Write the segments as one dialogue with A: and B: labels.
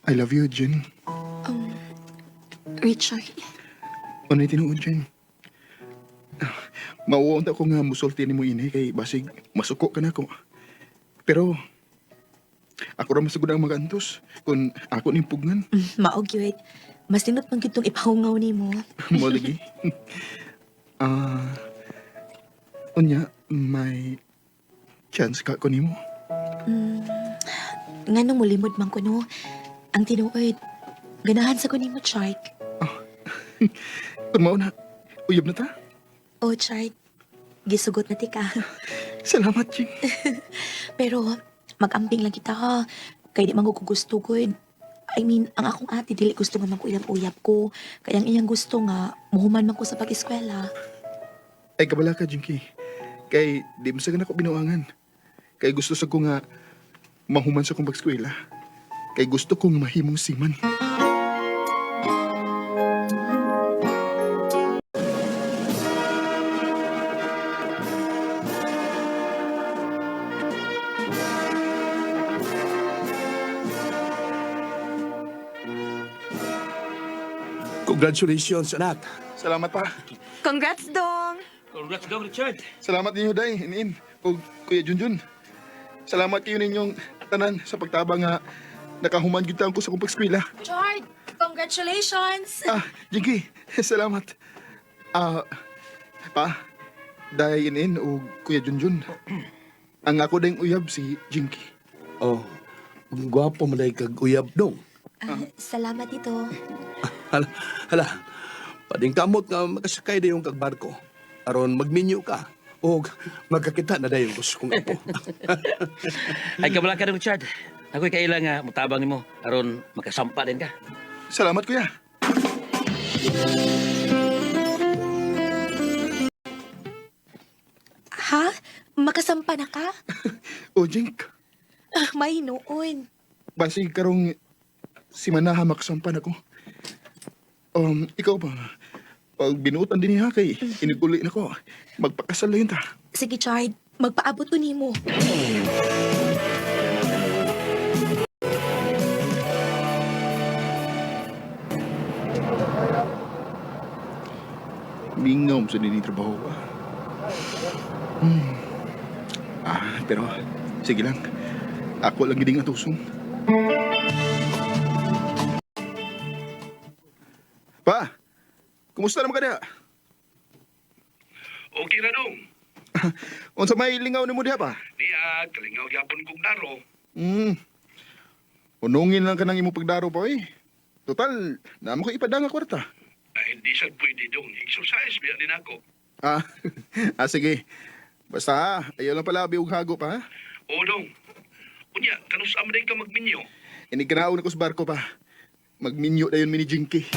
A: I love you, Jen.
B: Um, Richard,
A: Unay tinuod, Jen. Mauunta ko nga musulti ni mo ini kay basig masuko ka na ko. Pero ako ra masugod ang mag-antos kung ako nimpugngan.
B: maog yun. Mas tinot pang kitong ipahungaw ni mo.
A: Mo lagi. Ah, unya may chance ka ko nimo.
B: Nga nung mulimod man ko no, ang tinuod, ganahan sa ko ni mo, Chart.
A: Kung mao na, uyab na ta.
B: Oh, Chart, gisugot na ti ka.
A: Salamat, Jing.
B: Pero, mag-amping lang kita ha. Kaya di man ko gusto, good. I mean, ang akong ate, dili gusto nga magkuyap-uyap ko. Kaya ang iyang gusto nga, muhuman man ko sa pag-eskwela.
A: Ay, kabala ka, Jinky. Kay, di mo sa ako binuangan. Kay gusto sa ko nga, mahuman sa kong pag-eskwela. Kay gusto kong mahimong siman.
C: Congratulations, anak.
A: Salamat pa.
B: Congrats, Dong!
D: Congrats daw, Richard.
A: Salamat ninyo, Day, Inin, o Kuya Junjun. Salamat kayo ninyong tanan sa pagtabang nga nakahuman gyud ko sa kong pag-eskwela.
B: Chart, congratulations!
A: Jinky, salamat. Pa, Day, Inin, o Kuya Junjun. Ang ako dayong uyab si Jinky.
C: Oh, gwapo mo na kag uyab dong.
B: Salamat ito.
C: Hala, pading kamot nga makasakay na yung kagbarko. Aron magminyo ka. O magkakita na dayon gusto kong apo.
D: Ay, kabala ka rin, Richard. Ako'y kailang nga mutabang mo. Aron, makasampa din ka.
A: Salamat, Kuya.
B: Ha? Makasampa na ka?
A: O, Jink,
B: May noon.
A: basig karong si Manaha makasampan ako. Ikaw ba? Pag binutan din niya kay iniguli na ko, magpakasal na yun ta.
B: Sige, Chard. Magpaabot ko nimo.
A: Mingaw sa trabaho pa. Pero sige lang. Ako lang giding atusong. Pa! Kumusta naman ka na?
E: Okay na dong.
A: Unsa may lingaw ni mo diha pa?
E: Niya, kalingaw yapon kong daro.
A: Unungin lang ka ng imong pagdaro pa eh. Total, naman ko ipadanga kwarta.
E: Ay, hindi sad pwede dong. Exercise biya din ako.
A: Ah, sige. Basta, ayaw lang pala biog hago pa ha?
E: O dong. Unya, kanus amaday ka magminyo.
A: Iniganaon ako sa barko pa. Magminyo na yun mini Jinky.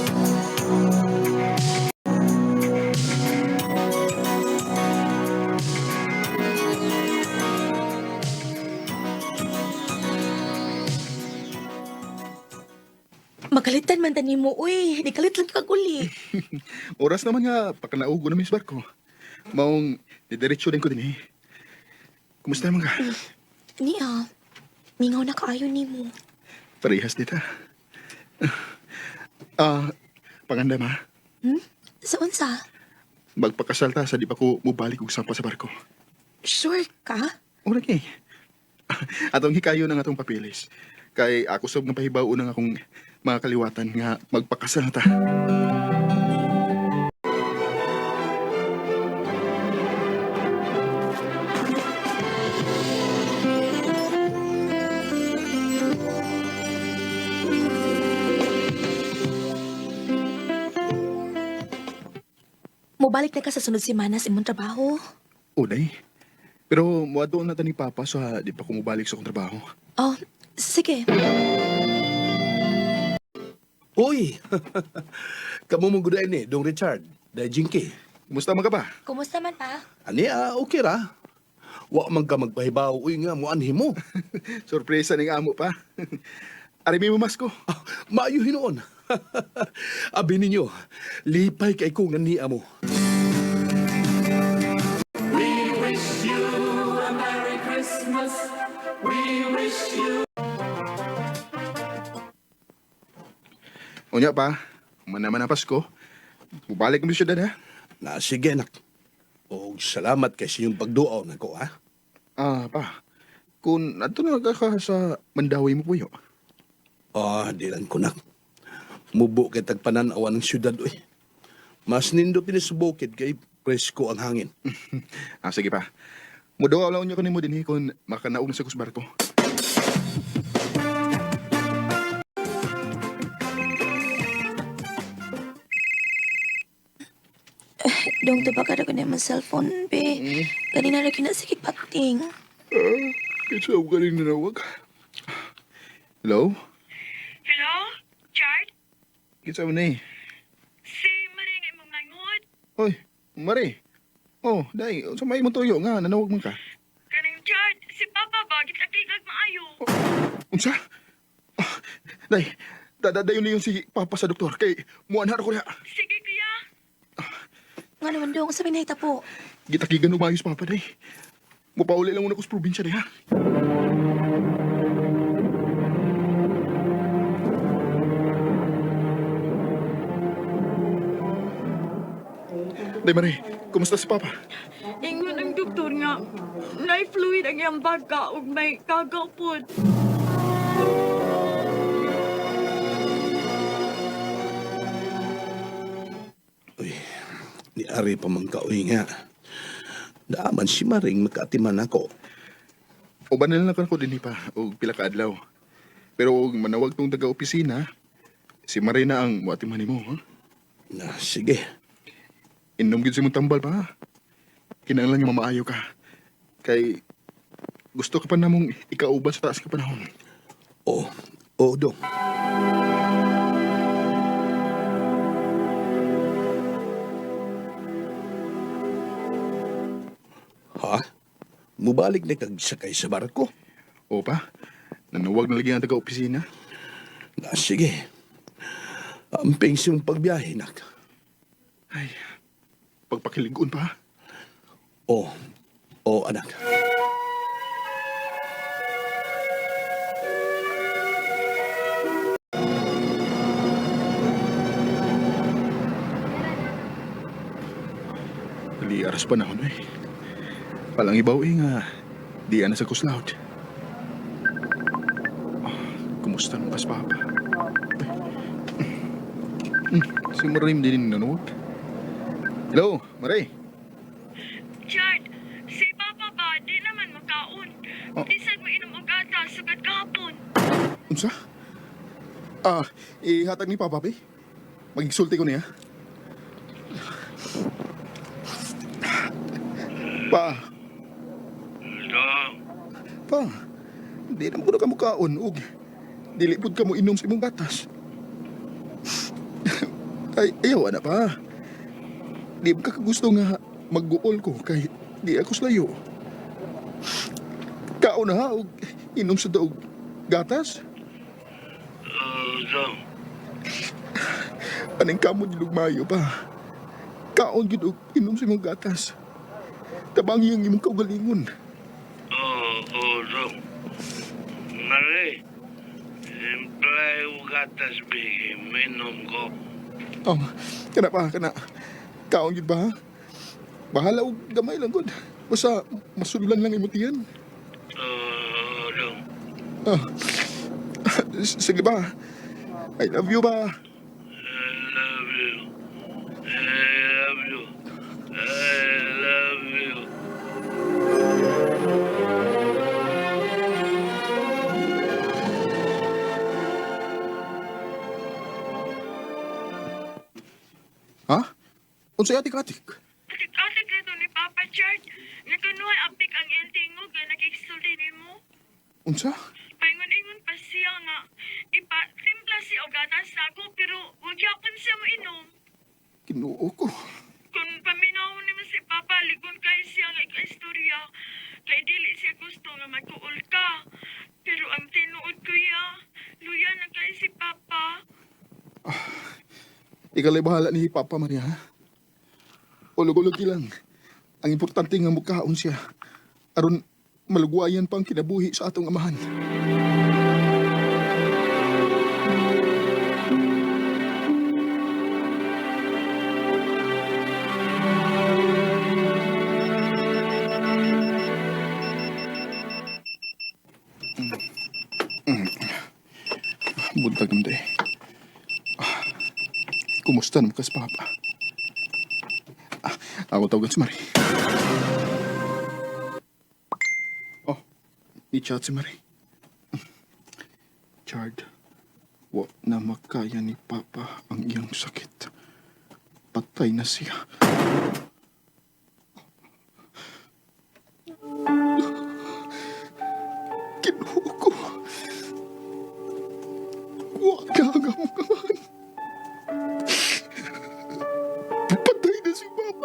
B: Magalitan man tani mo, uy. Di kalit lang kaguli.
A: Oras naman nga, pakanaugo na mis barko. Maong, didiretso din ko din eh. Kumusta naman ka?
B: Niya, mingaw na kaayo nimo.
A: Parehas dita. Panganda ma,
B: Sa unsa?
A: magpakasal ta sa di pa ko mubalik og sampa sa barko.
B: Sure ka?
A: Ura kay. Atong hikayo ng atong papilis. Kay ako sob nga pahibaw unang akong mga kaliwatan nga magpakasal na ta.
B: Mubalik na ka sa sunod semana sa imong trabaho.
A: Uday. Pero muadto na ta ni Papa sa di pa ko mubalik sa akong trabaho.
B: Oh, sige.
C: Uy! Kamu mong gudain ni, Dong Richard. Dahil Jinky.
A: Kumusta man ka ba?
B: Kumusta man pa?
C: Ani, okay ra. Wa man ka magpahibaw. Uy nga, mo anhi mo.
A: Sorpresa ning amo pa. Arimi mo masko.
C: Maayo hinoon. Abi ninyo, lipay kay kong naniya mo.
A: Unya pa, manaman ang Pasko. Mubalik mo siya ha?
C: Na sige anak. O salamat kay sa iyong pagduaw na ko, ha?
A: Ah, pa. Kung ato na ka sa Mandawi mo puyo.
C: Di lang ko nak. Mubo kay tagpananawan ng syudad, uy. Mas nindo pinisubukid kay presko ang hangin.
A: Sige pa. Mudawa lang niyo kanimo din kung makanaog na sa kusbarko.
B: Dong to baka ko na yung cellphone, be. Kanina na kinasikip pating.
A: Kitsa ako galing nanawag. Hello?
F: Hello? Chard?
A: Kitsa mo na eh.
F: Si Maring imong nangod?
A: Oy, Mari. Oh, day, sa may mo tuyo nga, nanawag mo ka.
F: Kaning Chard, si Papa ba? Gitakigag maayo.
A: Unsa? Day, dadadayon niyo si Papa sa doktor kay muanhar ko niya.
F: Sige, kuya.
B: Nga naman dong, sabi na hita po.
A: Gitakigan umayos Papa day. Mupauli lang muna ko sa probinsya day ha. Day Mari, kumusta si Papa?
F: Ingon ang doktor nga, na-fluid ang iyang baga ug may kagapod.
C: Uy, ni Ari pa man kauy nga. Daaman si Maring makaatiman ako.
A: Uban na lang ko din pa o pila ka adlaw. Pero og manawag tong taga-opisina, si Marina ang muatiman nimo, ha?
C: Na, sige.
A: Inom gid si mong tambal pa. Ha? Kinahanglan nga mamaayo ka. Kay gusto ka pa namong ikauban sa taas ka panahon.
C: Oo, dong. Ha? Mubalik na kag sakay sa barko?
A: O pa, nanawag na lagi ang taga-opisina.
C: Na, sige. Amping siyong pagbiyahe, nak.
A: Ay, pagpakiligon pa. Ha?
C: Oo, anak.
A: Dili aras panahon eh. Palang ibaw nga, di ana sa kuslaod. Kumusta nung kas Papa? Si Marim din nanawag. Hello, Maray.
F: Chard, si Papa ba? Di naman makaon.
A: Oh.
F: Bisan mo inom og gatas sugad kahapon.
A: Unsa? Ihatag ni Papa, pe. Magigsulti ko niya. Pa,
E: Dong,
A: pa. Di naman ko na kamukaon, ug. Dilipod ka mo inom sa imong gatas. Ay, ayaw na pa. Di ba ka gusto nga magguol ko kay di ako slayo. Kaon na ha, ug inom sa daog gatas.
E: Dong,
A: Aning kamon lugmayo pa. Kaon gid og inom sa imong gatas. Tabangi ang imong kaugalingon.
E: Dong. Mare, imply gatas bigay, minom ko.
A: Oh, kana pa, kana. Kaon gid ba? Ha? Bahala og gamay lang gud. Basta masudulan lang imong tiyan.
E: Dong.
A: Sige ba? I love you ba?
E: I love you. I love you. I love you.
A: Ha? Unsay atik-atik?
F: Atik-atik na to ni Papa Chard. Nagkanuhay apik ang tingog nga nakikisulti ni mo.
A: Unsa?
F: Paingon-ingon pa siya nga. Timpla si og gatas sa ako pero wag yapon siya mo inom.
A: Kinuo ko.
F: Kung paminawon ni mo si Papa, ligon kay siya nga ika-istorya. Kay dili siya gusto nga magkuol ka. Pero ang tinuod ko ya, luya na kay si Papa.
A: Ikalay bahala ni Papa Maria. Ha? Ulog-ulog lang. Ang importante nga mukhaon siya. Aron malugwayan pang kinabuhi sa atong amahan. Buntag naman day. Kumusta naman ka sa papa? Ako tawagan si Marie. Oh, i-chat si Marie. Chard, wa na makaya ni Papa ang iyang sakit. Patay na siya. Kinuha ko. Wa ka hanggang patay na si Papa.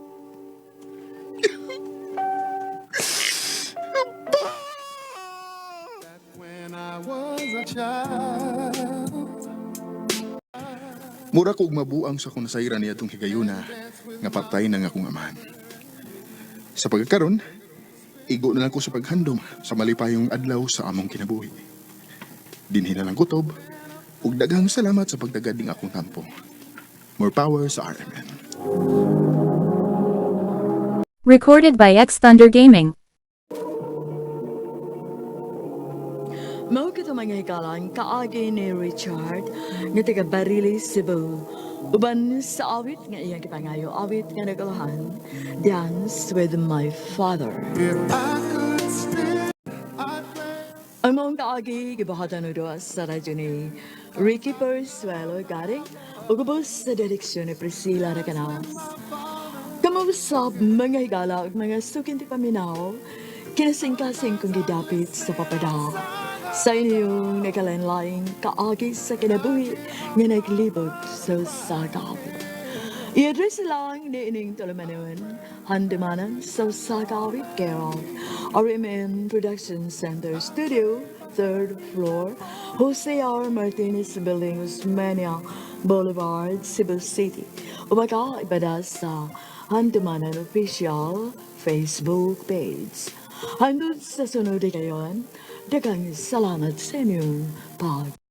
A: Mura kog mabuang sa kung nasayran niya itong higayuna nga patay na nga akong amahan. Sa pagkakaroon, igo na lang ko sa paghandom sa malipayong adlaw sa among kinabuhi. Dinhi na lang kutob, ug daghang salamat sa pagdagad ning akong tampo. More power sa RMN.
G: Recorded by X Thunder Gaming.
H: Mao kita mga hikalan kaagi ni Richard nga taga Barili, Cebu. Uban sa awit nga iyang kipangayo, awit nga nagalahan, Dance with My Father. Ang mga kaagi gibahatan do sa radyo ni Ricky Persuelo garing ug ubos sa direksyon ni Priscilla Racanas. Kamuusap mga higala ug mga sukinti paminaw, kinasing-kasing kong gidapit sa papada. Sa inyong nakalanlaing kaagi sa kinabuhi nga naglibot sa sagawi. I-address lang ni ining tulumanon, handimanan sa sagawi Carol, RMN Production Center Studio, 3rd floor, Jose R. Martinez Building, Usmania Boulevard, Cebu City. Umaga ibada sa Handimanan Official Facebook page. Handod sa sunod kayon, daghang salamat sa inyong pag